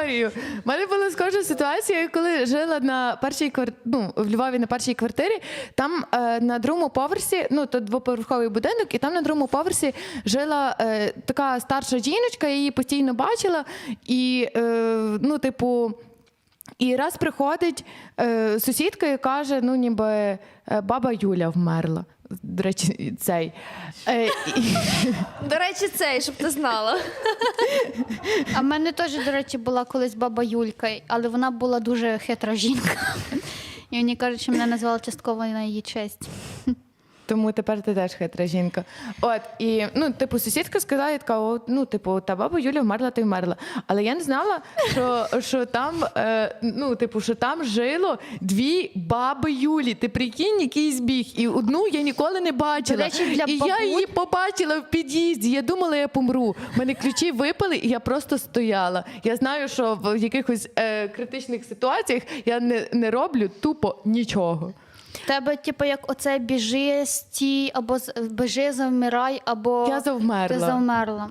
історію. У мене була схожа ситуація, коли жила на першій в Львові на першій квартирі. Там на другому поверсі, то двоповерховий будинок, і там на другому поверсі жила така старша жіночка, я її постійно бачила. І, і раз приходить сусідка і каже, ніби баба Юля вмерла. До речі, щоб ти знала. А в мене теж, до речі, була колись баба Юлька, але вона була дуже хитра жінка. І мені кажуть, що мене назвали частково на її честь. Тому тепер ти теж хитра жінка. От, і, сусідка сказала, така, та баба Юля вмерла, то й вмерла. Але я не знала, що там, що там жило дві баби Юлі. Ти прикинь, який збіг. І одну я ніколи не бачила. До речі, для я її побачила в під'їзді. Я думала, я помру. У мене ключі випали, і я просто стояла. Я знаю, що в якихось критичних ситуаціях я не роблю тупо нічого. В тебе, як оце біжи, стій, або біжи, завмирай, або Я завмерла. ти завмерла.